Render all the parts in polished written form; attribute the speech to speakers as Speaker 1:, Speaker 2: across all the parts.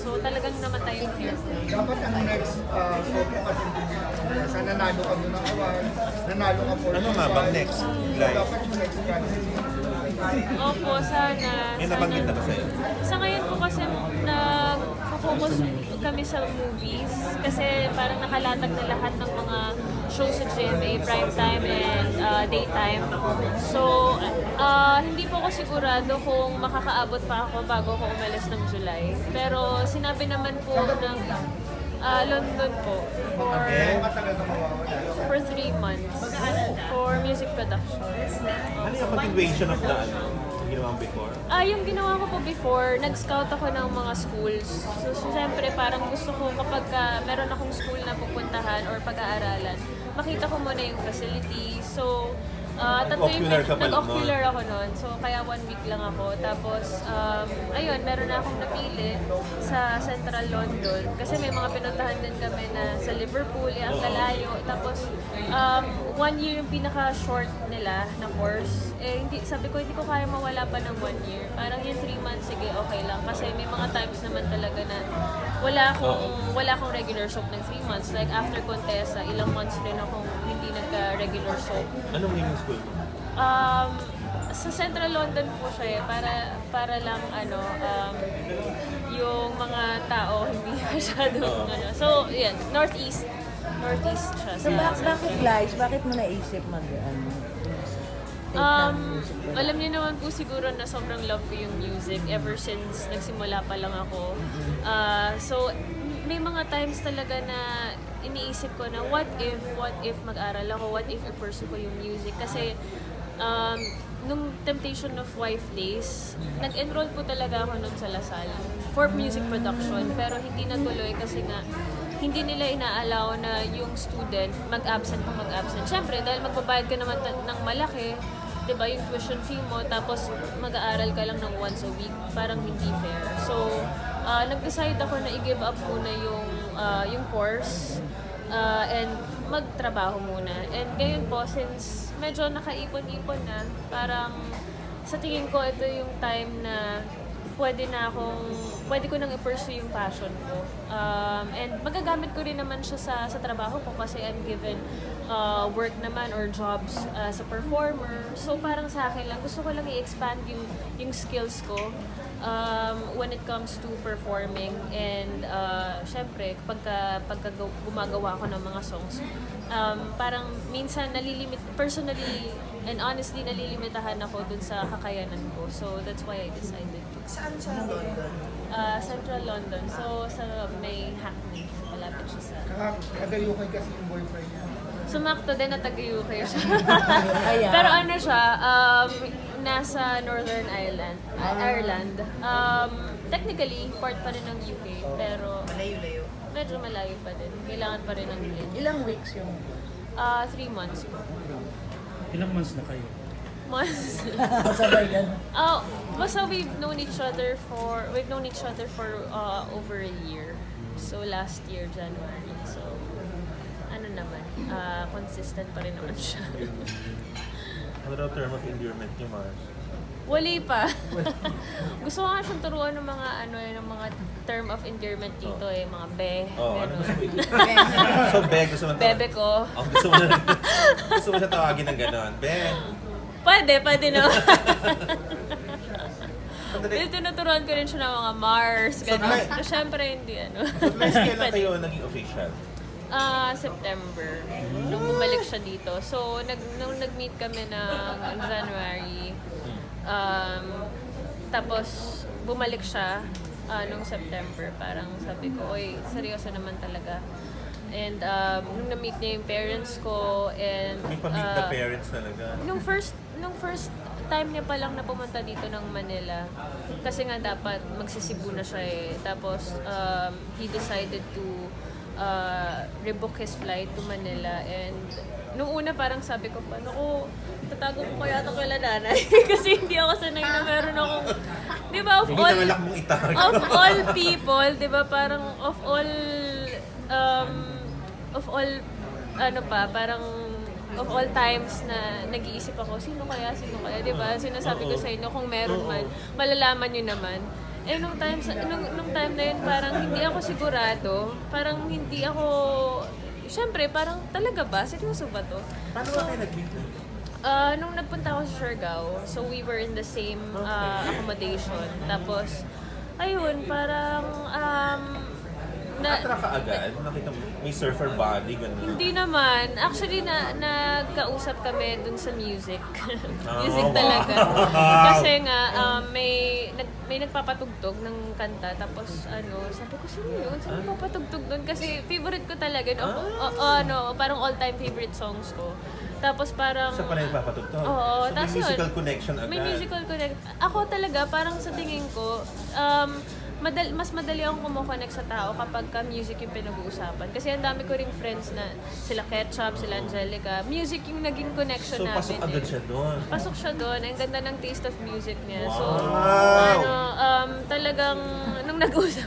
Speaker 1: So talagang namatay yung hair ko.
Speaker 2: Dapat ang next show ko kasi sana nanalo ka muna award, nanalo ka po.
Speaker 3: Ano nga bang next? Glide?
Speaker 2: Dapat yung next strategy.
Speaker 1: Opo, sana.
Speaker 3: May nabanggit na ba sa'yo?
Speaker 1: Sa ngayon po kasi nag-focus kami sa movies kasi parang nakalatag na lahat ng mga shows sa GMA, primetime and daytime. So, hindi po ako sigurado kung makakaabot pa ako bago ko umalis ng July. Pero sinabi naman po ng London po
Speaker 2: Matagal ka mawawala.
Speaker 1: for 3 months for music production.
Speaker 3: Ano yung continuation of the ginawa mo before?
Speaker 1: Yung ginawa ko po before, nag-scout ako ng mga schools. So, siyempre, parang gusto ko kapag meron akong school na pupuntahan or pag-aaralan, makita ko muna yung facility. So,
Speaker 3: Nag-ocular ka pa lang
Speaker 1: nag-ocular ako noon. So, kaya 1 week lang ako. Tapos, ayun, meron na akong napili sa Central London. Kasi may mga pinuntahan din kami na sa Liverpool, ang lalayo. Tapos, 1 year yung pinaka-short nila na course. Sabi ko, hindi ko kaya mawala pa ng 1 year. Parang yung 3 months, sige, okay lang. Kasi may mga times naman talaga na wala akong regular soap ng 3 months. Like, after Contessa, ilang months rin akong hindi nagka-regular soap.
Speaker 3: Anong naming school mo?
Speaker 1: Sa Central London po siya para lang yung mga tao hindi masyadong So, yan, Northeast siya.
Speaker 4: So, bakit Lies? Bakit mo naisip
Speaker 1: Alam niyo naman po siguro na sobrang love ko yung music ever since nagsimula pa lang ako. So, may mga times talaga na iniisip ko na what if mag-aral ako, what if i-pursue ko yung music. Kasi nung Temptation of Wife days, nag-enroll po talaga ako nun sa Lasal for music production. Pero hindi natuloy kasi nga hindi nila ina-allow na yung student mag-absent. Siyempre, dahil magbabayad ka naman ng malaki, diba, yung tuition fee mo, tapos mag-aaral ka lang ng once a week, parang hindi fair. So, nag-decide ako na i-give up muna yung course and magtrabaho muna. And ngayon po, since medyo nakaipon-ipon na, parang sa tingin ko ito yung time na pwede ko nang i-pursue yung passion ko. And magagamit ko rin naman siya sa trabaho ko kasi I'm given work naman or jobs as a performer. So parang sa akin lang, gusto ko lang i-expand yung skills ko when it comes to performing. And syempre, pagka gumagawa ko ng mga songs, parang minsan personally and honestly, nalilimitahan ako dun sa kakayanan ko. So that's why I decided to.
Speaker 4: Saan sa London?
Speaker 1: Central London. So sa may Hackney. Malapit siya sa...
Speaker 2: Kadayukan kasi yung boyfriend niya.
Speaker 1: Sumakto din na taga-UK siya.
Speaker 4: Ayan.
Speaker 1: Pero ano siya, nasa Northern Ireland. Technically, part pa rin ng UK. Pero
Speaker 4: Malayo-layo.
Speaker 1: medyo malayo pa din. Kailangan pa rin ng plane.
Speaker 4: Ilang weeks yung...
Speaker 1: 3 months po.
Speaker 5: Ilang months na kayo?
Speaker 1: Months.
Speaker 4: Sabay yan.
Speaker 1: Basta we've known each other for over a year. So last year, January. So, ano naman, consistent pa rin naman siya.
Speaker 3: Ano daw term of endearment niyo, Mars?
Speaker 1: Wali pa. Gusto ko nga siyang turuan ng mga term of endearment dito mga be.
Speaker 3: Oh, ano
Speaker 1: gano'n.
Speaker 3: gusto mo? So, Be, gusto mo
Speaker 1: Bebe ko.
Speaker 3: Oh, gusto mo siya tawagin ng gano'n. Be.
Speaker 1: Pwede naman.
Speaker 3: Sandali.
Speaker 1: Tinuturuan ko rin siya ng mga Mars, gano'n.
Speaker 3: Like-
Speaker 1: So, syempre, hindi
Speaker 3: So, last kailan kayo naging official?
Speaker 1: September. Nung bumalik siya dito. So, nung nag-meet kami ng January, tapos bumalik siya nung September. Parang sabi ko, oy, seryoso naman talaga. And nung na-meet niya yung parents ko, and
Speaker 3: May pa-meet the parents talaga.
Speaker 1: nung first time niya pa lang na pumunta dito ng Manila, kasi nga dapat magsisibu na siya Tapos he decided to rebook his flight to Manila. And nung una parang sabi ko, paano ko tatago ko kaya ito kila nanay? Kasi hindi ako sanay na meron akong, di ba,
Speaker 3: Hindi na malak mong itago.
Speaker 1: of all people, di ba, parang parang of all times na nag-iisip ako, sino kaya, di ba? Sinasabi ko sa inyo, kung meron man, malalaman nyo naman. nung time na yun, parang hindi ako sigurado. Parang hindi ako, syempre, parang talaga ba? Seryoso ba to?
Speaker 3: Paano ba kayo nag-meet?
Speaker 1: Nung nagpunta ako sa Siargao, so we were in the same accommodation. Tapos, ayun, parang,
Speaker 3: Attract ka agad? Nakita mo, may surfer body, gano'n.
Speaker 1: hindi naman. Actually, nagkausap kami dun sa music. Music
Speaker 3: wow.
Speaker 1: talaga. Kasi nga, may nagpapatugtog ng kanta. Tapos, sabi ko, sino yun? Sino nagpapatugtog dun? Kasi favorite ko talaga. Parang all-time favorite songs ko. Tapos parang...
Speaker 3: Siya pala yung papatugtog.
Speaker 1: Oo.
Speaker 3: So, may
Speaker 1: Tapos
Speaker 3: musical
Speaker 1: yun,
Speaker 3: connection agad.
Speaker 1: May musical connection. Ako talaga, parang sa tingin ko, mas madali akong kumokonect sa tao kapag ka music yung pinag-uusapan. Kasi ang dami ko ring friends na sila Ketchup, sila Angelica. Music yung naging connection
Speaker 3: So,
Speaker 1: namin.
Speaker 3: pasok agad siya doon.
Speaker 1: Pasok siya doon. Ang ganda ng taste of music niya. So,
Speaker 3: Wow!
Speaker 1: talagang, nung nag-usap,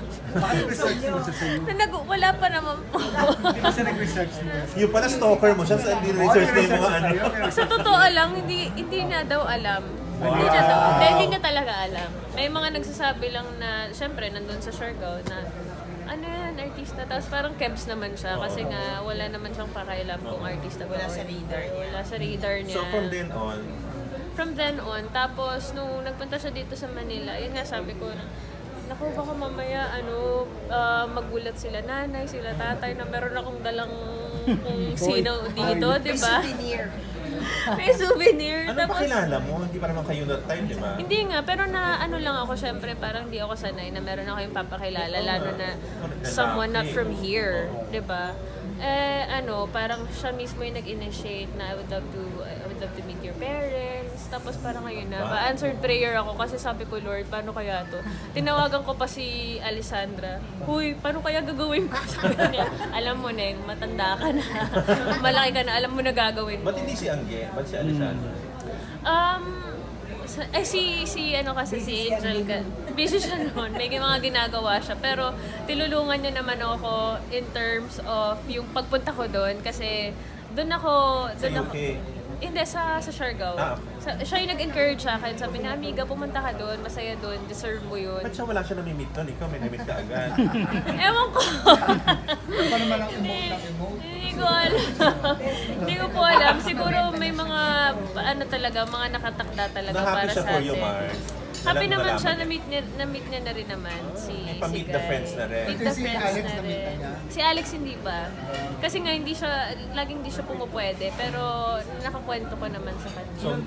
Speaker 1: wala pa naman po.
Speaker 3: Yung pala stalker mo siya, sa hindi research na yung mga ano.
Speaker 1: Sa totoo lang, hindi niya daw alam. Hindi niya talaga alam. May mga nagsasabi lang na, syempre, nandun sa Siargao na, ano yan, artista. Tapos parang kebs naman siya kasi nga wala naman siyang pakailam kung artista ba.
Speaker 4: Wala sa radar niya.
Speaker 1: Wala sa radar niya.
Speaker 3: So from then on, tapos nung nagpunta siya dito sa Manila, yun nga sabi ko, naku, baka mamaya, magulat sila nanay, sila tatay, na meron akong dalang kung sino dito, di ba? May souvenir. ano pa kilala mo? Hindi pa naman kayo that time, di ba?
Speaker 1: Hindi nga, pero na ano lang ako, syempre, parang di ako sanay na meron ako yung papakilala, lalo na someone not from here, di ba? Parang siya mismo yung nag-initiate na I would love to meet your parents. Tapos parang ngayon na, answered prayer ako kasi sabi ko, Lord, paano kaya to? Tinawagan ko pa si Alessandra, huy, paano kaya gagawin ko? Sabi niya, alam mo na matanda ka na, malaki ka na, alam mo na gagawin mo.
Speaker 3: Ba't hindi si Angge? Ba't si Alessandra?
Speaker 1: Si Angel, busy siya noon. May mga ginagawa siya. Pero tilulungan niya naman ako in terms of yung pagpunta ko doon. Kasi doon ako...
Speaker 3: UK?
Speaker 1: Hindi, sa Siargao. Siya yung nag-encourage sa akin. Sabi na, amiga, pumunta ka doon. Masaya doon. Deserve mo yun.
Speaker 3: Ba't siya wala siya namimit doon? Ikaw may namit ka agad.
Speaker 1: Ewan ko.
Speaker 2: Ano naman ang emote ng emote?
Speaker 1: Hindi ko alam. Hindi ko po alam. Siguro may mga, mga nakatakda talaga
Speaker 3: Na-happy
Speaker 1: para
Speaker 3: siya
Speaker 1: sa
Speaker 3: for
Speaker 1: atin.
Speaker 3: you, Mars.
Speaker 1: Happy naman
Speaker 3: Nalaman
Speaker 1: siya,
Speaker 3: niya.
Speaker 1: na-meet niya na rin naman si
Speaker 3: pa-meet the
Speaker 1: Guy.
Speaker 3: friends na rin.
Speaker 1: Meet the
Speaker 2: Si
Speaker 1: friends
Speaker 2: Alex
Speaker 1: na
Speaker 2: na-meet na
Speaker 1: rin.
Speaker 2: niya?
Speaker 1: Si Alex hindi ba? Kasi nga laging hindi siya pumupwede, pero nakakwento ko naman sa kanya.
Speaker 3: So,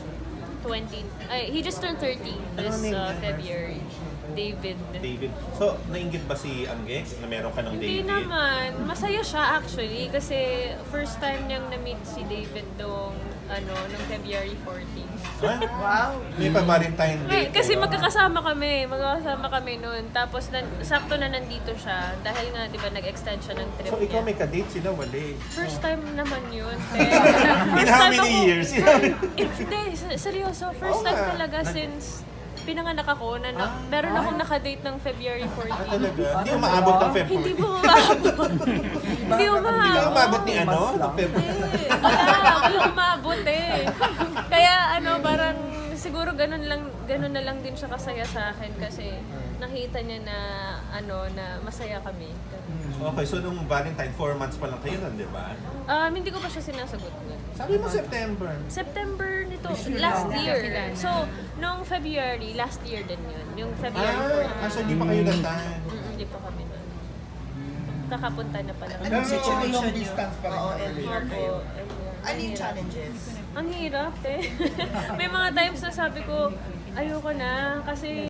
Speaker 1: 20. He just turned 30 this
Speaker 3: name niya?
Speaker 1: February. David.
Speaker 3: David. So, nainggit ba si Angge na meron ka ng
Speaker 1: Hindi
Speaker 3: David?
Speaker 1: naman. Masaya siya actually kasi first time niyang na-meet si David nung February 14.
Speaker 3: Ha? Wow! May pa-Valentine Day.
Speaker 1: Kasi magkakasama kami noon. Tapos sakto na nandito siya dahil nga 'di ba nag-extend siya ng trip
Speaker 3: So, ikaw
Speaker 1: niya.
Speaker 3: may ka-date sila, wali.
Speaker 1: First time naman yun.
Speaker 3: In how many years?
Speaker 1: Hindi, seryoso. First
Speaker 3: Oo
Speaker 1: time
Speaker 3: nga.
Speaker 1: talaga since pinanganak ako na meron akong nakadate ng February 14.
Speaker 3: Talaga? Hindi umaabot ng February.
Speaker 1: Hindi mo umabot. Hindi
Speaker 3: Hindi ka umabot ni ano? Ng February.
Speaker 1: Wala umabot eh. Kaya parang siguro ganun na lang din siya kasaya sa akin kasi nakita niya na na masaya kami.
Speaker 3: Okay, so nung Valentine, 4 months pa lang kayo nun, di ba?
Speaker 1: Hindi ko pa siya sinasagot nun.
Speaker 3: Sabi mo September.
Speaker 1: September nito, last year. So, nung February, last year din yun. Yung February 14.
Speaker 3: So hindi pa kayo nagtahan.
Speaker 1: Hindi pa kami nun. Kakapunta na pala.
Speaker 2: Pero
Speaker 4: situation
Speaker 2: long
Speaker 4: niyo?
Speaker 2: distance pa rin
Speaker 4: Oo,
Speaker 2: ang
Speaker 4: and
Speaker 2: relationship.
Speaker 1: Opo.
Speaker 4: Ano yung challenges?
Speaker 1: Ang hirap eh. May mga times na sabi ko, ayoko na kasi